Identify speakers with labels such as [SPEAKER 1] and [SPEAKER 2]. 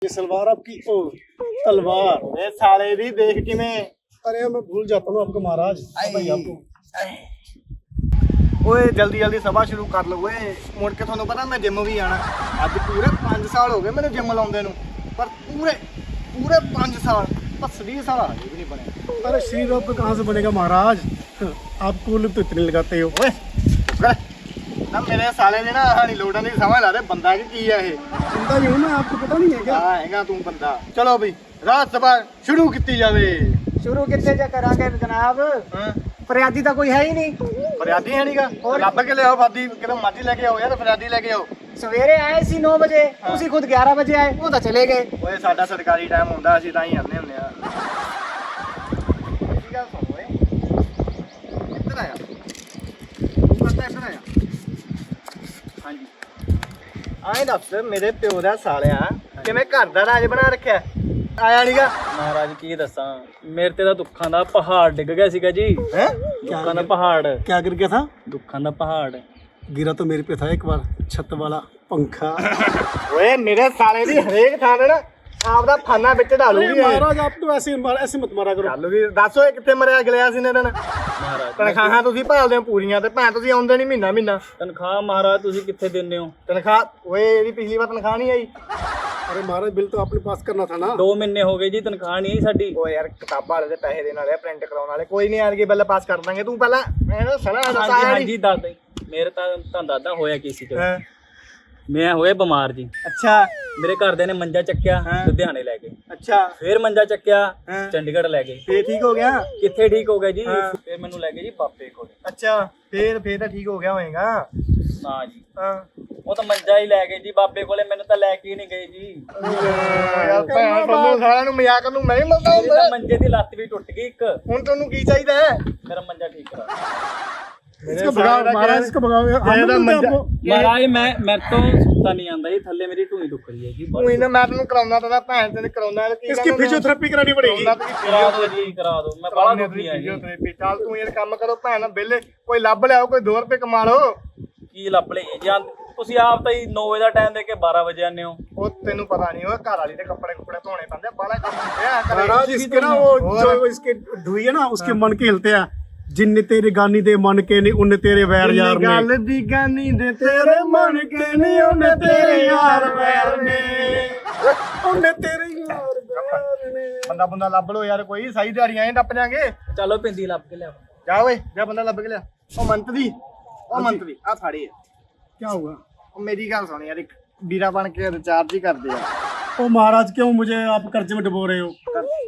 [SPEAKER 1] ये सलवार आपकी ओ तलवार
[SPEAKER 2] ये साले दी देख किवें
[SPEAKER 1] अरे मैं भूल जाता हूँ आपको महाराज भाई आपको
[SPEAKER 2] ओए जल्दी जल्दी सभा शुरू कर लो ओए मुड़ के ਤੁਹਾਨੂੰ ਪਤਾ ਮੈਂ ਜਿਮ ਵੀ ਆਣਾ ਅੱਜ ਪੂਰੇ 5 ਸਾਲ ਹੋ ਗਏ ਮੈਨੂੰ ਜਿਮ ਲਾਉਂਦੇ ਨੂੰ ਪਰ पूरे 5 साल बस 20 साल आगे भी नहीं बने।
[SPEAKER 1] अरे शरीर आपका कहाँ से बनेगा महाराज आप कूल तो इतने लगाते हो
[SPEAKER 2] ओए ना मेरे साले ने ना हानी लोडन की समझ ला दे बंदा की है ये
[SPEAKER 1] बंदा ही हूँ मैं आपको पता नहीं है क्या
[SPEAKER 2] हाँ हैगा तू बंदा चलो भाई रात सभा शुरू की जावे
[SPEAKER 3] शुरू कितने च करांगे जनाब फरियादी तो कोई है ही नहीं
[SPEAKER 2] फरियादी है नीगा ਲੱਭ ਕੇ ਲਿਆਓ ਫਾਦੀ ਕਿਦੋਂ ਮਰਜ਼ੀ ਲੈ ਕੇ ਆਓ ਯਾਰ ਫਰਿਆਦੀ ਲੈ ਕੇ ਆਓ
[SPEAKER 3] सवेरे आए सी 9 बजे ਤੁਸੀਂ खुद 11 बजे आए वो तो चले गए
[SPEAKER 2] ਓਏ ਸਾਡਾ ਸਰਕਾਰੀ ਟਾਈਮ ਹੁੰਦਾ ਅਸੀਂ ਤਾਂ ਹੀ ਆਉਂਦੇ ਹੁੰਦੇ ਆ ਕੀ ਗੱਲ ਸੁਣ ਓਏ ਇੱਧਰ ਆਇਆ ਤੂੰ ਕਰਦਾ ਇੱਧਰ ਆਇਆ ਹਾਂਜੀ ਆਏ ਦੱਸ ਮੇਰੇ ਪਿਓ ਦਾ ਸਾਲਿਆ ਕਿਵੇਂ ਘਰ ਦਾ ਰਾਜ ਬਣਾ ਰੱਖਿਆ ਆਇਆ ਨੀਗਾ
[SPEAKER 4] ਮਹਾਰਾਜ ਕੀ ਦੱਸਾਂ ਮੇਰੇ ਤੇ ਤਾਂ ਦੁੱਖਾਂ ਦਾ ਪਹਾੜ ਡਿੱਗ ਗਿਆ ਸੀਗਾ ਜੀ
[SPEAKER 2] ਹੈ
[SPEAKER 4] ਦੁੱਖਾਂ ਦਾ ਪਹਾੜ
[SPEAKER 1] क्या गिर गया था
[SPEAKER 4] ਦੁੱਖਾਂ ਦਾ ਪਹਾੜ
[SPEAKER 1] गिरा तो मेरे पे था एक बार छत वाला पंखा
[SPEAKER 2] ਓਏ ਮੇਰੇ ਸਾਲੇ ਦੀ ਹਰੇਕ ਥਾਂ ਤੇ ਨਾ ਆਪਦਾ ਫਾਨਾ ਵਿੱਚ ਢਾਲੂਗੀ ਇਹ
[SPEAKER 1] महाराज आप तो ऐसे मत मारा करो
[SPEAKER 2] ਚੱਲੂਗੀ ਦੱਸ ਓਏ ਕਿੱਥੇ ਮਰਿਆ ਗਲਿਆ ਸੀ ਨੇ ਦਿਨ
[SPEAKER 4] ਮਹਾਰਾਜ
[SPEAKER 2] ਤਨਖਾਹਾਂ ਤੁਸੀਂ ਭਾਲਦੇ ਹੋ ਪੂਰੀਆਂ ਤੇ ਭੈਣ ਤੁਸੀਂ ਆਉਂਦੇ ਨਹੀਂ ਮਹੀਨਾ
[SPEAKER 4] ਤਨਖਾਹ ਮਹਾਰਾਜ ਤੁਸੀਂ ਕਿੱਥੇ ਦਿੰਦੇ ਹੋ
[SPEAKER 2] ਤਨਖਾਹ ਓਏ ਇਹਦੀ ਪਿਛਲੀ ਵਾਰ ਤਨਖਾਹ ਨਹੀਂ ਆਈ
[SPEAKER 1] अरे महाराज बिल तो आपने पास करना था ना
[SPEAKER 4] 2 ਮਹੀਨੇ ਹੋ ਗਏ ਜੀ ਤਨਖਾਹ ਨਹੀਂ ਆਈ ਸਾਡੀ
[SPEAKER 2] ਓਏ ਯਾਰ ਕਿਤਾਬਾਂ ਵਾਲੇ ਦੇ ਪੈਸੇ ਦੇਣ ਵਾਲੇ ਪ੍ਰਿੰਟ ਕਰਾਉਣ ਵਾਲੇ ਕੋਈ ਨਹੀਂ ਆਣਗੇ ਬਿੱਲ ਪਾਸ ਕਰ ਦਾਂਗੇ ਤੂੰ ਪਹਿਲਾਂ ਮੈਨੂੰ ਸਲਾਹ ਦੱਸ
[SPEAKER 4] ਹਾਂਜੀ
[SPEAKER 2] ਆਇਆ
[SPEAKER 4] ਹਾਂਜੀ ਦੱਸ ਦੇ ਮੇਰੇ ਤਾਂ ਦਾਦਾ ਹੋਇਆ ਕੀ ਸੀ
[SPEAKER 2] ਹਾਂ
[SPEAKER 4] ਮੈਂ ਹੋਇਆ ਬਿਮਾਰ ਜੀ
[SPEAKER 2] ਅੱਛਾ
[SPEAKER 4] ਮੇਰੇ ਘਰਦਿਆਂ ਨੇ ਮੰਜਾ ਚੱਕਿਆ
[SPEAKER 2] ਹਾਂ।
[SPEAKER 4] ਲੁਧਿਆਣੇ ਲੈ ਗਏ
[SPEAKER 2] ਅੱਛਾ
[SPEAKER 4] ਫਿਰ ਮੰਜਾ ਚੱਕਿਆ
[SPEAKER 2] ਹਾਂ।
[SPEAKER 4] ਚੰਡੀਗੜ੍ਹ ਲੈ ਗਏ
[SPEAKER 2] ਫੇਰ ਠੀਕ ਹੋ ਗਿਆ
[SPEAKER 4] ਕਿੱਥੇ ਠੀਕ ਹੋ ਗਿਆ ਜੀ
[SPEAKER 2] ਹਾਂ।
[SPEAKER 4] ਫਿਰ ਮੈਨੂੰ ਲੈ ਗਏ ਜੀ ਬਾਪੇ ਕੋਲ
[SPEAKER 2] ਅੱਛਾ ਫੇਰ ਤਾਂ ਠੀਕ ਹੋ ਗਿਆ ਹੋਏਗਾ
[SPEAKER 4] ਨਾ ਜੀ
[SPEAKER 2] ਹਾਂ
[SPEAKER 4] ਉਹ ਤਾਂ ਮੰਜਾ ਹੀ ਲੈ ਗਏ ਜੀ ਬਾਬੇ ਕੋਲੇ ਮੈਨੂੰ ਤਾਂ ਲੈ ਕੇ ਹੀ ਨਹੀਂ ਗਏ ਜੀ
[SPEAKER 2] ਯਾਰ ਭੈਣ ਤੁਹਾਨੂੰ ਸਾਰਿਆਂ ਨੂੰ ਮਜ਼ਾਕ ਨੂੰ ਮੈਂ ਹੀ ਮਿਲਦਾ
[SPEAKER 4] ਮੇਰੀ ਤਾਂ
[SPEAKER 2] ਹੁੰਦਾ
[SPEAKER 4] ਮੰਜੇ ਦੀ ਲੱਤ ਵੀ ਟੁੱਟ ਗਈ ਇੱਕ
[SPEAKER 2] ਹੁਣ ਤੁਹਾਨੂੰ ਕੀ ਚਾਹੀਦਾ ਹੈ
[SPEAKER 4] ਮੇਰਾ ਮੰਜਾ ਠੀਕ ਕਰਾ
[SPEAKER 1] इसको भगाओ महाराज इसको भगाओ हम
[SPEAKER 2] ਇਹਦਾ
[SPEAKER 1] नहीं
[SPEAKER 2] ਮੰਜਾ
[SPEAKER 1] आपको।
[SPEAKER 4] ਮਹਾਰਾਜ ਮੈਂ ਤੋਂ ਸੁੱਤਾ ਨਹੀਂ ਆਂਦਾ ਜੀ ਥੱਲੇ ਮੇਰੀ ਢੂਈ ਦੁੱਖ ਰਹੀ ਹੈ ਜੀ
[SPEAKER 2] ਤੂੰ ਇਹਨਾਂ ਮੈਂ ਤੈਨੂੰ ਕਰਾਉਣਾ ਤਾਂ ਭੈਣ ਤੈਨੂੰ ਕਰਾਉਣਾ
[SPEAKER 1] इसकी फिजियोथेरेपी करानी पड़ेगी
[SPEAKER 4] ਕਰਾ ਦਿਓ ਜੀ ਕਰਾ ਦਿਓ ਮੈਂ ਬੜਾ ਦੁਖੀ ਆ ਜੀ
[SPEAKER 2] ਚੱਲ ਤੂੰ ਇਹ ਕੰਮ ਕਰੋ ਭੈਣ ਬਿੱਲੇ ਕੋਈ ਲੱਭ ਲਿਆਓ ਕੋਈ 2 ਰੁਪਏ ਕਮਾ ਲਓ
[SPEAKER 4] ਕੀ ਲੱਭ ਲਏ ਜਾਂ ਤੁਸੀਂ ਆਪ ਤਾਂ ਹੀ 9 ਵਜੇ ਦਾ ਟਾਈਮ ਦੇ ਕੇ 12 ਵਜੇ ਆਨੇ ਹੋ
[SPEAKER 2] ਉਹ ਤੈਨੂੰ ਪਤਾ ਨਹੀਂ ਉਹ ਘਰ ਵਾਲੀ ਦੇ ਕੱਪੜੇ ਧੋਣੇ ਪੈਂਦੇ ਬਾਲਾ ਕੰਮ ਹੁੰਦੇ ਆ ਘਰੇ।
[SPEAKER 1] महाराज इसके ना वो जो इसके ढुई है ना उसके मन के हिलते हैं जिन्ने तेरे गानी दे मन के नहीं उन्ने तेरे वैर यार ने
[SPEAKER 2] ਗੱਲ ਦੀ ਗਾਨੀ ਦੇ ਤੇਰੇ ਮਨ ਕੇ ਨਹੀਂ ਉਹਨੇ ਤੇਰੇ ਯਾਰ ਵੈਰ ਨੇ
[SPEAKER 1] उन्ने तेरे यार वैर ने
[SPEAKER 2] ਬੰਦਾ ਬੰਦਾ ਲੱਭ ਲੋ ਯਾਰ ਕੋਈ ਸਾਈ ਦਿਹਾੜੀਆਂ ਐਂ ਟੱਪ ਜਾਾਂਗੇ
[SPEAKER 4] ਚਲੋ ਪਿੰਦੀ ਲੱਭ ਕੇ ਲਿਆਓ
[SPEAKER 2] ਜਾ ਓਏ ਜਾ ਬੰਦਾ ਲੱਭ ਕੇ ਲਿਆ ਉਹ ਮੰਤਰੀ ਆ ਫਾੜੀ ਆ
[SPEAKER 1] क्या हुआ
[SPEAKER 2] ਉਹ ਮੇਰੀ ਗੱਲ ਸੁਣ ਯਾਰ ਇੱਕ ਵੀਰਾ ਬਣ ਕੇ ਰਿਚਾਰਜ ਹੀ ਕਰਦੇ ਆ
[SPEAKER 1] ओ महाराज क्यों मुझे आप कर्जे में डुबो रहे हो